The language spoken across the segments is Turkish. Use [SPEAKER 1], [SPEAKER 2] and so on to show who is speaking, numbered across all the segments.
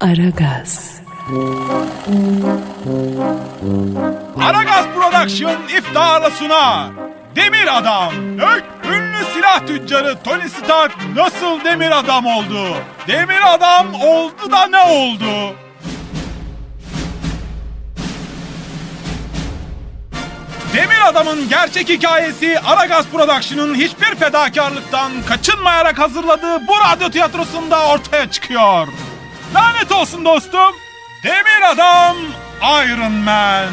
[SPEAKER 1] Aragaz.
[SPEAKER 2] Aragaz Production iftarla sunar. Demir Adam. Ünlü silah tüccarı Tony Stark nasıl demir adam oldu? Demir adam oldu da ne oldu? Demir Adam'ın gerçek hikayesi Aragaz Production'ın hiçbir fedakarlıktan kaçınmayarak hazırladığı bu radyo tiyatrosunda ortaya çıkıyor. Lanet olsun dostum. Demir Adam Iron Man.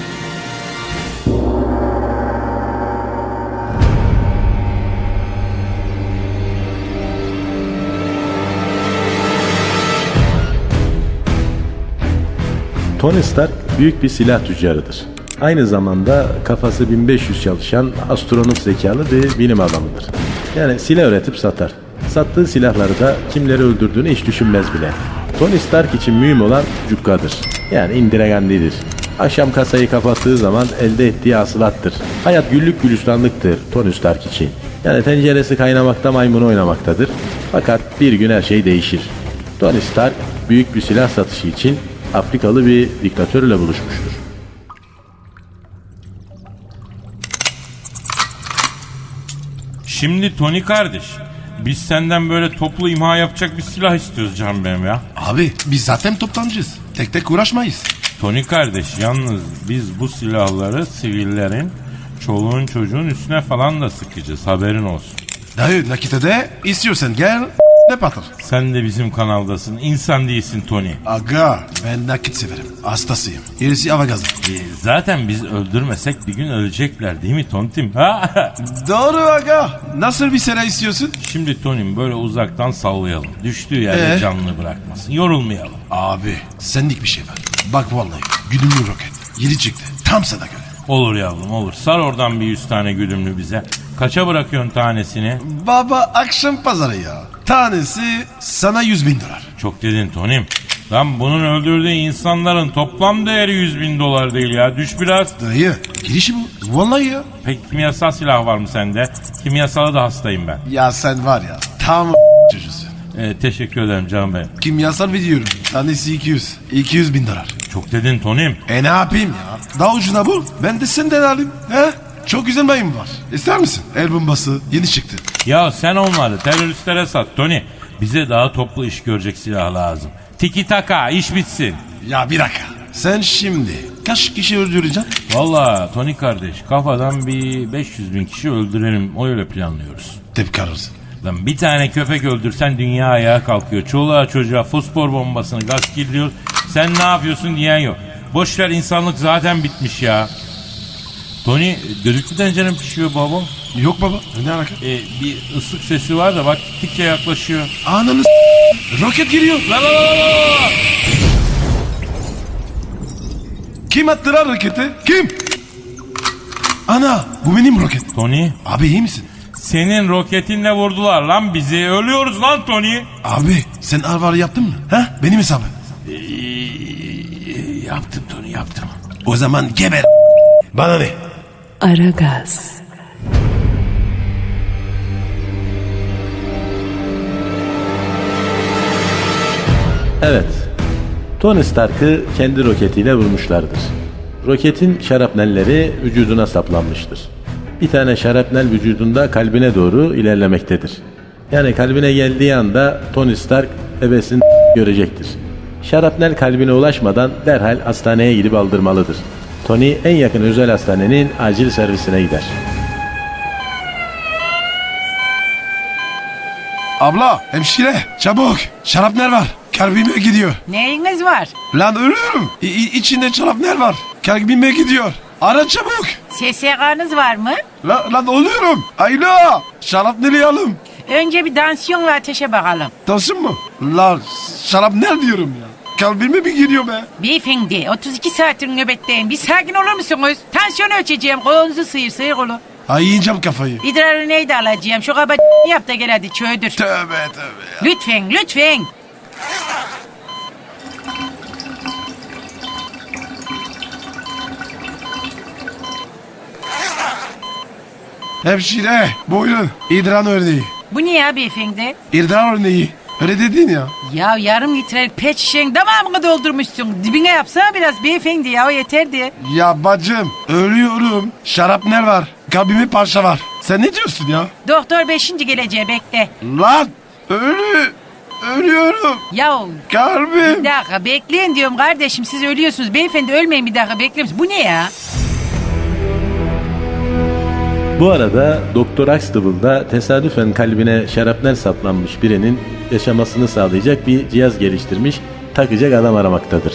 [SPEAKER 3] Tony Stark büyük bir silah tüccarıdır. Aynı zamanda kafası 1500 çalışan astronot zekalı bir bilim adamıdır. Yani silah üretip satar. Sattığı silahları da kimleri öldürdüğünü hiç düşünmez bile. Tony Stark için mühim olan cukkadır. Yani indiregenlidir. Akşam kasayı kapattığı zaman elde ettiği hasılattır. Hayat güllük gülistanlıktır Tony Stark için. Yani tenceresi kaynamakta maymun oynamaktadır. Fakat bir gün her şey değişir. Tony Stark büyük bir silah satışı için Afrikalı bir diktatörle buluşmuştur.
[SPEAKER 4] Şimdi Tony kardeş, biz senden böyle toplu imha yapacak bir silah istiyoruz canım benim ya.
[SPEAKER 5] Abi biz zaten toptancıyız. Tek tek uğraşmayız.
[SPEAKER 4] Tony kardeş, yalnız biz bu silahları sivillerin, çoluğun çocuğun üstüne falan da sıkacağız, haberin olsun.
[SPEAKER 5] Dayı nakite de istiyorsan gel ne patır.
[SPEAKER 4] Sen de bizim kanaldasın, insan değilsin Tony.
[SPEAKER 5] Aga ben nakit severim. Hastasıyım. Gerisi hava gazı.
[SPEAKER 4] Zaten biz öldürmesek bir gün ölecekler değil mi Tontim? Ha?
[SPEAKER 5] Doğru aga. Nasıl bir silah istiyorsun?
[SPEAKER 4] Şimdi Tony'm böyle uzaktan sallayalım. Düştüğü yerde canını bırakmasın. Yorulmayalım.
[SPEAKER 5] Abi senlik bir şey var. Bak vallahi güdümlü roket. Yeni çıktı. Tam sana göre.
[SPEAKER 4] Olur yavrum olur. Sar oradan bir 100 tane güdümlü bize. Kaça bırakıyorsun tanesini?
[SPEAKER 5] Baba akşam pazarı ya. Tanesi sana 100.000 dolar.
[SPEAKER 4] Çok dedin Tony'm. Lan bunun öldürdüğü insanların toplam değeri 100.000 dolar değil ya. Düş biraz.
[SPEAKER 5] Dayı girişi bu. Vallahi ya.
[SPEAKER 4] Peki kimyasal silah var mı sende? Kimyasala da hastayım ben.
[SPEAKER 5] Ya sen var ya tam çocuğusun.
[SPEAKER 4] Teşekkür ederim canım benim.
[SPEAKER 5] Kimyasal veriyorum. Tanesi 200. 200.000 dolar.
[SPEAKER 4] Çok dedin Tony'm.
[SPEAKER 5] Ne yapayım ya? Daha ucuna bul. Ben de senden alayım. He? Çok güzel mayın var. İster misin? El bombası yeni çıktı.
[SPEAKER 4] Ya sen onları teröristlere sat Tony. Bize daha toplu iş görecek silah lazım. Tiki taka iş bitsin.
[SPEAKER 5] Ya bir dakika. Sen şimdi kaç kişi öldüreceksin?
[SPEAKER 4] Valla Tony kardeş kafadan bir 500.000 kişi öldürelim. Öyle planlıyoruz.
[SPEAKER 5] Tepki ararız.
[SPEAKER 4] Lan bir tane köpek öldürsen dünya ayağa kalkıyor. Çoluğa çocuğa fosfor bombasını gaz kirliyor. Sen ne yapıyorsun diyen yok. Boşver insanlık zaten bitmiş ya. Tony düdüklü tencerem pişiyor baba.
[SPEAKER 5] Yok baba. Ne alaka?
[SPEAKER 4] Bir ıslık sesi var da bak gittikçe yaklaşıyor.
[SPEAKER 5] Ananı roket giriyor.
[SPEAKER 4] La la la la la.
[SPEAKER 5] Kim attı lan roketi? Kim? Ana bu benim roket.
[SPEAKER 4] Tony
[SPEAKER 5] Abi iyi misin?
[SPEAKER 4] senin roketinle vurdular lan bizi. Ölüyoruz lan Tony.
[SPEAKER 5] Abi sen alvarı yaptın mı? Ha? Benim hesabım.
[SPEAKER 4] Yaptım Tony yaptım.
[SPEAKER 5] O zaman geber. Bana ne?
[SPEAKER 1] Aragaz.
[SPEAKER 3] Evet, Tony Stark'ı kendi roketiyle vurmuşlardır. Roketin şarapnelleri vücuduna saplanmıştır. Bir tane şarapnel vücudunda kalbine doğru ilerlemektedir. Yani kalbine geldiği anda Tony Stark ebesini görecektir. Şarapnel kalbine ulaşmadan derhal hastaneye gidip aldırmalıdır. Tony en yakın özel hastanenin acil servisine gider.
[SPEAKER 5] Abla, hemşire, çabuk. Şarapnel var. Kalbime gidiyor.
[SPEAKER 6] Neyiniz var?
[SPEAKER 5] Lan ölüyorum. İçinde şarapnel var. Kalbime gidiyor. Ara çabuk.
[SPEAKER 6] SSK'nız var mı?
[SPEAKER 5] Lan ölüyorum. Ayla. Şarapneli alım.
[SPEAKER 6] Önce bir tansiyon ve ateşe bakalım.
[SPEAKER 5] Tansın mı? Lan şarapnel diyorum ya. Kalbime mi giriyor be?
[SPEAKER 6] Beyefendi 32 saattir nöbetteyim. Bir sakin olur musunuz? Tansiyon ölçeceğim. Kolunuzu sıyır kolu.
[SPEAKER 5] Ay yiyeceğim kafayı.
[SPEAKER 6] İdrarı neydi alacağım? Şu kaba yap da gel hadi çöğdür.
[SPEAKER 5] Tövbe tövbe ya.
[SPEAKER 6] Lütfen.
[SPEAKER 5] Hemşire buyurun. İdrar örneği.
[SPEAKER 6] Bu ne ya beyefendi?
[SPEAKER 5] İdrar örneği. Öyle dedin ya.
[SPEAKER 6] Ya yarım litrelik pet şişenin tamamını doldurmuşsun. Dibine yapsana biraz beyefendi ya, o yeterdi.
[SPEAKER 5] Ya bacım ölüyorum. Şarapnel var. Kalbime parça var. Sen ne diyorsun ya?
[SPEAKER 6] Doktor 5. geleceğe bekle.
[SPEAKER 5] Lan ölüyorum.
[SPEAKER 6] Ya
[SPEAKER 5] Kalbim.
[SPEAKER 6] bir dakika bekleyin diyorum kardeşim, siz ölüyorsunuz. Beyefendi ölmeyin, bir dakika bekleyin. Bu ne ya?
[SPEAKER 3] Bu arada Doktor Huxtable da tesadüfen kalbine şarapnel saplanmış birinin yaşamasını sağlayacak bir cihaz geliştirmiş, takacak adam aramaktadır.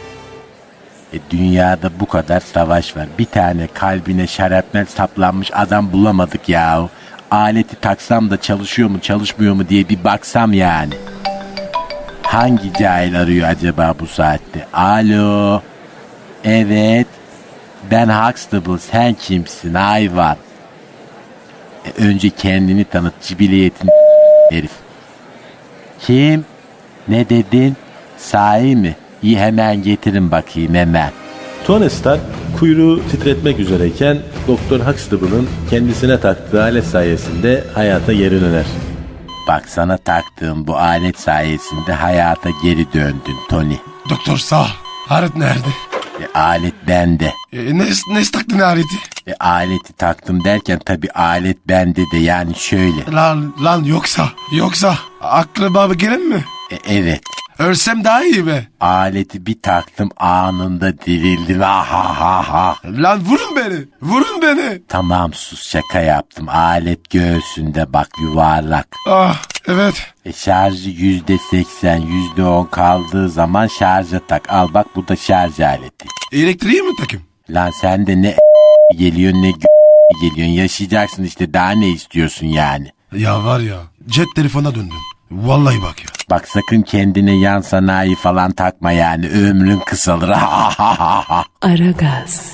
[SPEAKER 7] Dünyada bu kadar savaş var. Bir tane kalbine şarapnel saplanmış adam bulamadık ya. Aleti taksam da çalışıyor mu çalışmıyor mu diye bir baksam yani. Hangi cahil arıyor acaba bu saatte? Alo. Evet. Ben Huxtable, sen kimsin hayvan? Önce kendini tanıt, cibiliyetin herif. Kim? Ne dedin? Sahi mi? İyi, hemen getirin bakayım hemen.
[SPEAKER 3] Tony Stark kuyruğu titretmek üzereyken Doktor Huxtable'ın kendisine taktığı alet sayesinde hayata geri döner.
[SPEAKER 7] Bak, sana taktığım bu alet sayesinde hayata geri döndün Tony.
[SPEAKER 5] Doktor sağ. Alet nerede?
[SPEAKER 7] Alet bende.
[SPEAKER 5] Ne taktın aleti?
[SPEAKER 7] Aleti taktım derken tabii alet bende de, yani şöyle.
[SPEAKER 5] Lan yoksa aklıma gelen mi?
[SPEAKER 7] Evet.
[SPEAKER 5] Ölsem daha iyi be.
[SPEAKER 7] Aleti bir taktım, anında dirildin. Ha.
[SPEAKER 5] Lan vurun beni.
[SPEAKER 7] Tamam, sus, şaka yaptım. Alet göğsünde bak, yuvarlak.
[SPEAKER 5] Ah evet.
[SPEAKER 7] Şarjı %80, %10 kaldığı zaman şarja tak. Al bak, bu da şarj aleti.
[SPEAKER 5] Elektriği mi takayım?
[SPEAKER 7] Lan sen de ne geliyor ne geliyorsun. Yaşayacaksın işte, daha ne istiyorsun yani.
[SPEAKER 5] Ya var ya, cep telefona döndüm. Vallahi bak ya.
[SPEAKER 7] Bak, sakın kendine yan sanayi falan takma yani, ömrün kısalır.
[SPEAKER 1] Aragaz,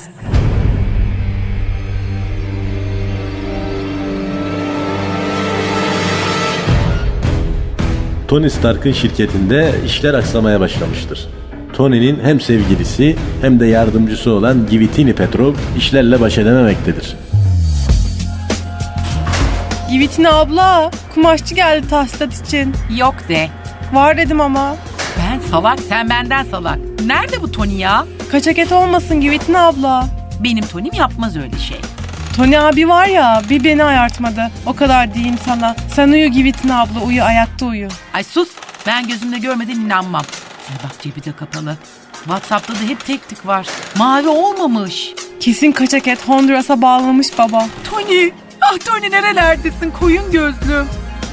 [SPEAKER 3] Tony Stark'ın şirketinde işler aksamaya başlamıştır. Tony'nin hem sevgilisi hem de yardımcısı olan Givitini Petrov işlerle baş edememektedir.
[SPEAKER 8] Givitin abla, kumaşçı geldi tahsilat için.
[SPEAKER 6] Yok de.
[SPEAKER 8] Var dedim ama.
[SPEAKER 6] Ben salak, sen benden salak. Nerede bu Tony ya?
[SPEAKER 8] Kaçak et olmasın Givitin abla.
[SPEAKER 6] Benim Tony'm yapmaz öyle şey.
[SPEAKER 8] Tony abi var ya, bir beni ayartmadı. O kadar diyeyim sana. Sen uyu Givitin abla, uyu, ayakta uyu.
[SPEAKER 6] Ay sus, ben gözümle görmeden inanmam. Ay bak, cebi de kapalı. WhatsApp'ta da hep tek tık var. Mavi olmamış.
[SPEAKER 8] Kesin kaçak et Honduras'a bağlamış baba.
[SPEAKER 6] Tony, ah Tony nerelerdesin koyun gözlüm.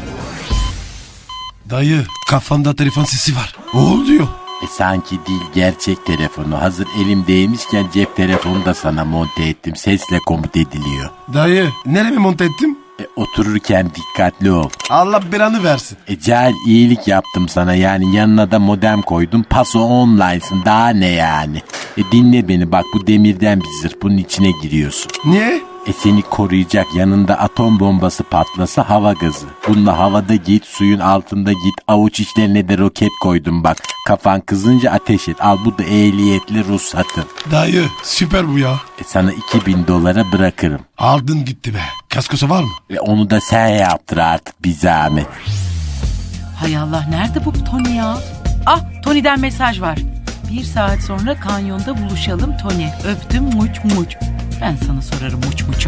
[SPEAKER 5] Dayı, kafanda telefon sesi var. O diyor.
[SPEAKER 7] Sanki değil, gerçek telefonu. Hazır elimdeymişken cep telefonu da sana monte ettim. Sesle komut ediliyor.
[SPEAKER 5] Dayı, nereye monte ettim?
[SPEAKER 7] Otururken dikkatli ol.
[SPEAKER 5] Allah belanı versin.
[SPEAKER 7] Cahil, iyilik yaptım sana, yani yanına da modem koydum. Paso online'sın, daha ne yani. Dinle beni bak, bu demirden bir zırh, bunun içine giriyorsun.
[SPEAKER 5] Niye?
[SPEAKER 7] Seni koruyacak, yanında atom bombası patlasa hava gazı. Bununla havada git, suyun altında git, avuç içlerine de roket koydum bak. Kafan kızınca ateş et, al, bu da ehliyetli ruhsatın.
[SPEAKER 5] Dayı, süper bu ya.
[SPEAKER 7] Sana $2000 bırakırım.
[SPEAKER 5] Aldın gitti be. Kaskosu var mı?
[SPEAKER 7] Onu da sen yaptır artık, bir zahmet.
[SPEAKER 6] Hay Allah, nerede bu Tony ya? Ah, Tony'den mesaj var. 1 saat sonra kanyonda buluşalım Tony. Öptüm muç muç. Ben sana sorarım muç muçu.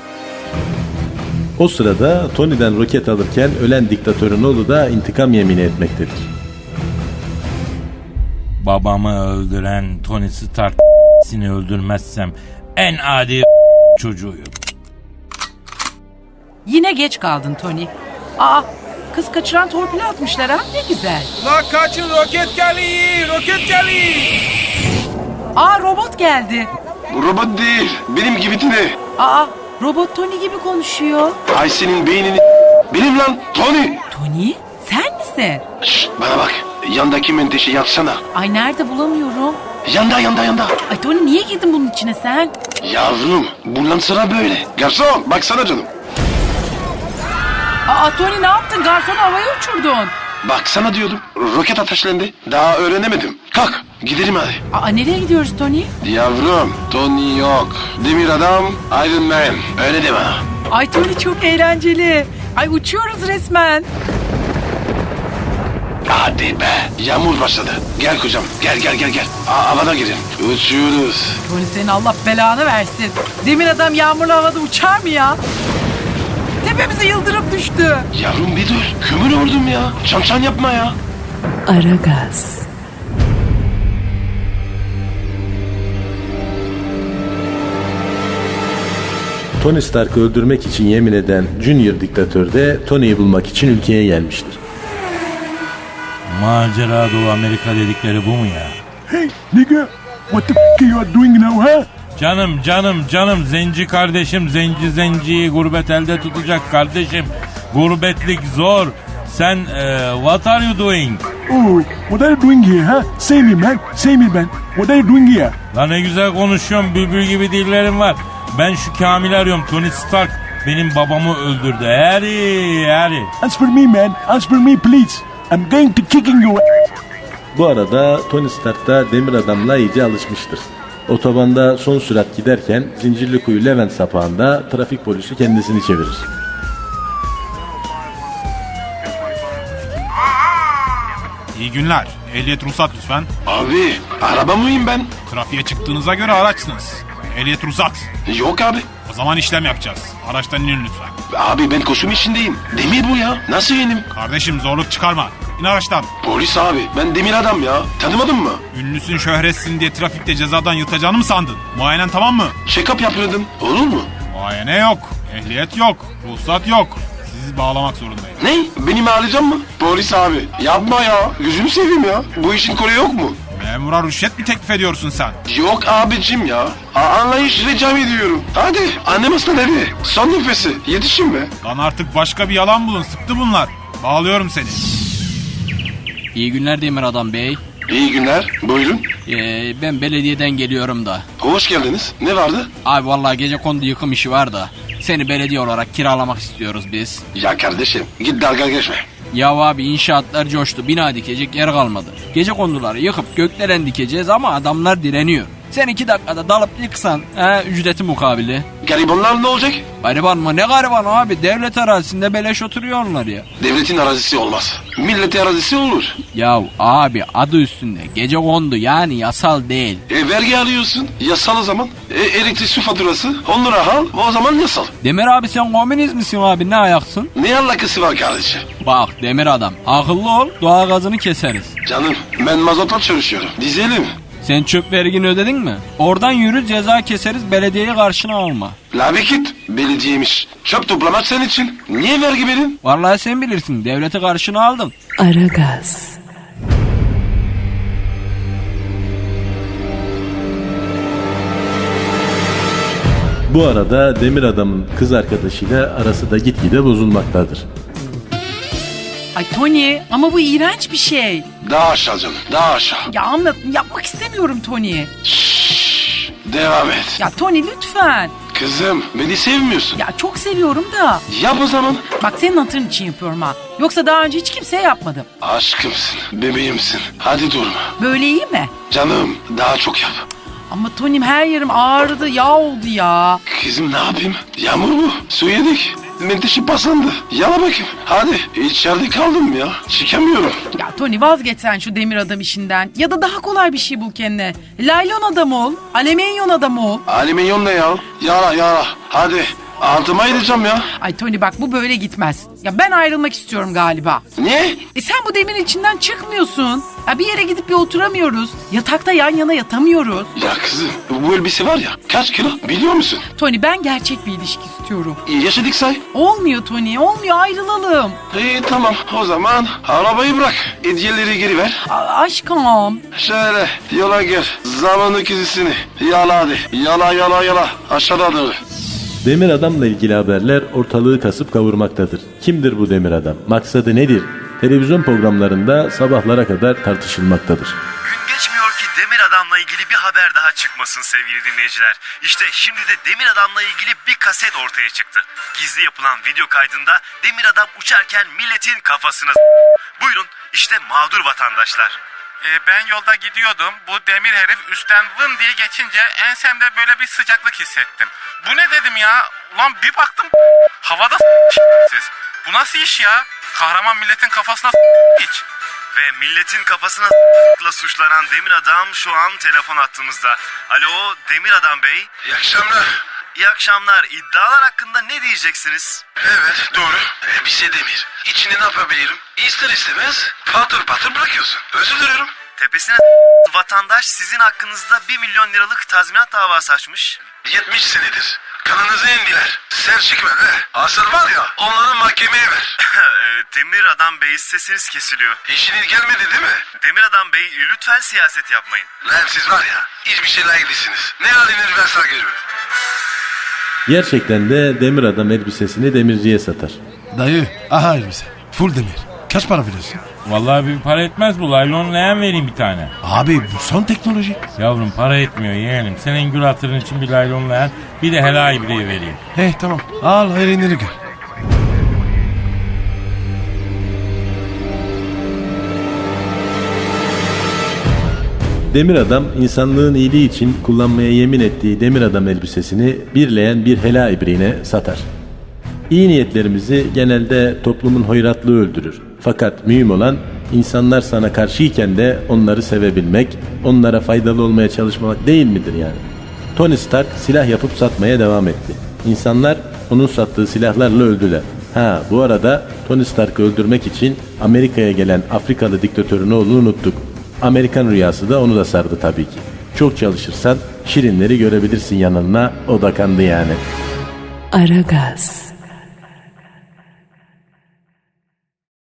[SPEAKER 3] O sırada Tony'den roket alırken ölen diktatörün oğlu da intikam yemini etmektedir.
[SPEAKER 4] Babamı öldüren Tony Stark seni öldürmezsem en adi çocuğuyum.
[SPEAKER 6] Yine geç kaldın Tony. Aa, kız kaçıran torpili atmışlar ha, ne güzel.
[SPEAKER 2] La kaçın, roket geliyor.
[SPEAKER 6] Aa, robot geldi.
[SPEAKER 5] Bu robot değil. Benim gibi ne?
[SPEAKER 6] Aa, robot Tony gibi konuşuyor.
[SPEAKER 5] Ay senin beynini... Benim lan Tony.
[SPEAKER 6] Tony, sen misin?
[SPEAKER 5] Şşt, bana bak. Yandaki menteşe yatsana.
[SPEAKER 6] Ay nerede, bulamıyorum.
[SPEAKER 5] Yanda.
[SPEAKER 6] Ay Tony, niye girdin bunun içine sen?
[SPEAKER 5] Yavrum, bundan sonra böyle. Garson, baksana canım.
[SPEAKER 6] Aa Tony, ne yaptın? Garsonu havaya uçurdun.
[SPEAKER 5] Baksana diyordum. Roket ateşlendi. Daha öğrenemedim. Kalk, gidelim hadi.
[SPEAKER 6] Aa, nereye gidiyoruz Tony?
[SPEAKER 5] Yavrum, Tony yok. Demir adam, Iron Man. Öyle deme.
[SPEAKER 6] Ay Tony, çok eğlenceli. Ay uçuyoruz resmen.
[SPEAKER 5] Hadi be. Yağmur başladı. Gel kocam. Gel. Havada girin. Uçuyoruz.
[SPEAKER 6] Tony senin Allah belanı versin. Demir adam yağmurlu havada uçar mı ya? Tepemize yıldırım düştü.
[SPEAKER 5] Yavrum bir dur. Kömür oldum ya. Çan yapma ya.
[SPEAKER 1] Aragaz,
[SPEAKER 3] Tony Stark'ı öldürmek için yemin eden Junior diktatör de Tony'yi bulmak için ülkeye gelmiştir.
[SPEAKER 4] Macera Doğu Amerika dedikleri bu mu ya?
[SPEAKER 9] Hey, nigga, what the f*** you are doing now, huh?
[SPEAKER 4] Canım zenci kardeşim, zenciyi gurbet elde tutacak kardeşim. Gurbetlik zor. Sen what are you doing?
[SPEAKER 9] Oh, what are you doing here, huh? Say me, man. What are you doing here?
[SPEAKER 4] Lan ne güzel konuşuyorum, bülbül gibi dillerim var. Ben şu Kamil'i arıyorum, Tony Stark benim babamı öldürdü. Harry.
[SPEAKER 9] Answer me, man. Answer me, please. I'm going to kicking you.
[SPEAKER 3] Bu arada Tony Stark da Demir Adam'la iyice alışmıştır. Otobanda son sürat giderken Zincirlikuyu Levent sapağında trafik polisi kendisini çevirir.
[SPEAKER 2] İyi günler. Ehliyet ruhsat lütfen.
[SPEAKER 5] Abi araba mıyım ben?
[SPEAKER 2] Trafiğe çıktığınıza göre araçsınız. Ehliyet ruhsat.
[SPEAKER 5] Yok abi.
[SPEAKER 2] O zaman işlem yapacağız. Araçtan inin lütfen.
[SPEAKER 5] Abi ben koşum içindeyim. Demir bu ya. Nasıl yenim?
[SPEAKER 2] Kardeşim zorluk çıkarma. İn araçtan.
[SPEAKER 5] Polis abi. Ben Demir adam ya. Tanımadın mı?
[SPEAKER 2] Ünlüsün şöhretsin diye trafikte cezadan yırtacağını mı sandın? Muayenen tamam mı?
[SPEAKER 5] Check-up yapıyordum. Olur mu?
[SPEAKER 2] Muayene yok. Ehliyet yok. Ruhsat yok. Sizi bağlamak zorundayım.
[SPEAKER 5] Ne? Beni ağlayacak mı? Polis abi. Yapma ya. Gözünü seveyim ya. Bu işin kolu yok mu?
[SPEAKER 2] Memura rüşvet mi teklif ediyorsun sen?
[SPEAKER 5] Yok abicim ya. Anlayış rica ediyorum. Hadi annem hasta nerede? Son nefesi. Yetişin be.
[SPEAKER 2] Lan artık başka bir yalan bulun. Sıktı bunlar. Bağlıyorum seni.
[SPEAKER 10] İyi günler Demir Adam Bey.
[SPEAKER 5] İyi günler. Buyurun.
[SPEAKER 10] Ben belediyeden geliyorum da.
[SPEAKER 5] Hoş geldiniz. Ne vardı?
[SPEAKER 10] Abi vallahi gecekondu yıkım işi var da. Seni belediye olarak kiralamak istiyoruz biz.
[SPEAKER 5] Ya kardeşim git dalga geçme.
[SPEAKER 10] Ya abi inşaatlar coştu. Bina dikecek yer kalmadı. Gecekonduları yıkıp gökdelen dikeceğiz ama adamlar direniyor. Sen 2 dakikada dalıp yıksan ücreti mukabili.
[SPEAKER 5] Garibanlar ne olacak?
[SPEAKER 10] Gariban mı? Ne gariban abi? Devlet arazisinde beleş oturuyorlar ya.
[SPEAKER 5] Devletin arazisi olmaz. Milletin arazisi olur.
[SPEAKER 10] Ya abi adı üstünde gecekondu yani yasal değil.
[SPEAKER 5] Vergi alıyorsun. Yasal o zaman. Elektrik su faturası 10 lira al. O zaman yasal.
[SPEAKER 10] Demir abi sen komünist misin abi? Ne ayaksın?
[SPEAKER 5] Ne alakası var kardeşim?
[SPEAKER 10] Bak Demir Adam akıllı ol, doğa gazını keseriz.
[SPEAKER 5] Canım ben mazotla çalışıyorum. Dizelim.
[SPEAKER 10] Sen çöp vergini ödedin mi? Oradan yürü ceza keseriz, belediyeyi karşına alma.
[SPEAKER 5] La bir git. Belediyemiş. Çöp toplamak senin için. Niye vergi verin?
[SPEAKER 10] Vallahi sen bilirsin, devleti karşına aldın.
[SPEAKER 1] Aragaz,
[SPEAKER 3] Bu arada Demir Adam'ın kız arkadaşıyla arası da gitgide bozulmaktadır.
[SPEAKER 6] Ay Tony ama bu iğrenç bir şey.
[SPEAKER 5] Daha aşağı canım. Daha aşağı.
[SPEAKER 6] Ya anlat, yapmak istemiyorum Tony.
[SPEAKER 5] Şşş. Devam et.
[SPEAKER 6] Ya Tony lütfen.
[SPEAKER 5] Kızım beni sevmiyorsun.
[SPEAKER 6] Ya çok seviyorum da.
[SPEAKER 5] Yap o zaman.
[SPEAKER 6] Bak senin hatırın için yapıyorum ha. Yoksa daha önce hiç kimseye yapmadım.
[SPEAKER 5] Aşkımsın. Bebeğimsin. Hadi durma.
[SPEAKER 6] Böyle iyi mi?
[SPEAKER 5] Canım daha çok yap.
[SPEAKER 6] Ama Tony'm her yerim ağrıdı, yağ oldu ya.
[SPEAKER 5] Kızım ne yapayım? Yağmur mu? Su yedik. Menteşe paslandı. Yala bakayım. Hadi. İçeride kaldım ya. Çıkamıyorum.
[SPEAKER 6] Ya Tony vazgeç sen şu demir adam işinden. Ya da daha kolay bir şey bul kendine. Laylon adam ol, alüminyum adam ol.
[SPEAKER 5] Alüminyum ne ya? Yala. Hadi. Altıma gideceğim ya.
[SPEAKER 6] Ay Tony bak bu böyle gitmez. Ya ben ayrılmak istiyorum galiba.
[SPEAKER 5] Niye?
[SPEAKER 6] Sen bu demirin içinden çıkmıyorsun. Ya bir yere gidip bir oturamıyoruz. Yatakta yan yana yatamıyoruz.
[SPEAKER 5] Ya kızım bu elbise var ya kaç kilo biliyor musun?
[SPEAKER 6] Tony ben gerçek bir ilişki istiyorum.
[SPEAKER 5] Yaşadık say.
[SPEAKER 6] Olmuyor Tony, olmuyor, ayrılalım.
[SPEAKER 5] İyi tamam o zaman arabayı bırak. Hediyeleri geri ver.
[SPEAKER 6] Aşkım.
[SPEAKER 5] Şöyle yola gir. Zamanı kizisini. Yala hadi. Yala. Aşağıda doğru.
[SPEAKER 3] Demir Adam'la ilgili haberler ortalığı kasıp kavurmaktadır. Kimdir bu Demir Adam? Maksadı nedir? Televizyon programlarında sabahlara kadar tartışılmaktadır.
[SPEAKER 11] Gün geçmiyor ki Demir Adam'la ilgili bir haber daha çıkmasın sevgili dinleyiciler. İşte şimdi de Demir Adam'la ilgili bir kaset ortaya çıktı. Gizli yapılan video kaydında Demir Adam uçarken milletin kafasına Buyurun işte mağdur vatandaşlar.
[SPEAKER 2] Ben yolda gidiyordum. Bu demir herif üstten vın diye geçince ensemde böyle bir sıcaklık hissettim. Bu ne dedim ya? Ulan bir baktım havada siz. Bu nasıl iş ya? Kahraman milletin kafasına hiç.
[SPEAKER 11] Ve milletin kafasına suçlanan Demir Adam şu an telefon attığımızda. Alo Demir Adam Bey.
[SPEAKER 5] İyi akşamlar.
[SPEAKER 11] İyi akşamlar. İddialar hakkında ne diyeceksiniz?
[SPEAKER 5] Evet doğru. Bir şey Demir. İçini ne yapabilirim? İster istemez patır patır bırakıyorsun. Özür dilerim.
[SPEAKER 11] Tepesine vatandaş sizin hakkınızda 1 milyon liralık tazminat davası açmış.
[SPEAKER 5] 70 senedir. Kanınızı indiler. Ser çıkma be. Asıl var ya onları mahkemeye ver.
[SPEAKER 11] Demir Adam Bey sesiniz kesiliyor.
[SPEAKER 5] İşiniz gelmedi değil mi?
[SPEAKER 11] Demir Adam Bey lütfen siyaset yapmayın.
[SPEAKER 5] Lan siz var ya hiçbir şey layık değilsiniz. Ne haliniz varsa görün.
[SPEAKER 3] Gerçekten de Demir Adam elbisesini demirciye satar.
[SPEAKER 9] Dayı aha elbise. Full demir. Kaç para veriyorsun?
[SPEAKER 4] Vallahi bir para etmez bu. Laylon leğen vereyim bir tane.
[SPEAKER 9] Abi bu son teknoloji.
[SPEAKER 4] Yavrum para etmiyor yeğenim. Senin gül hatırın için bir laylon leğen bir de helal ibriği vereyim.
[SPEAKER 9] Tamam. Al hayırlı gör.
[SPEAKER 3] Demir Adam insanlığın iyiliği için kullanmaya yemin ettiği Demir Adam elbisesini bir leğen bir hela ibriğine satar. İyi niyetlerimizi genelde toplumun hoyratlığı öldürür. Fakat mühim olan insanlar sana karşıyken de onları sevebilmek, onlara faydalı olmaya çalışmak değil midir yani? Tony Stark silah yapıp satmaya devam etti. İnsanlar onun sattığı silahlarla öldüler. Bu arada Tony Stark'ı öldürmek için Amerika'ya gelen Afrikalı diktatörün oğlunu unuttuk. Amerikan rüyası da onu da sardı tabii ki. Çok çalışırsan şirinleri görebilirsin yanına, o da kandı yani.
[SPEAKER 1] Aragaz.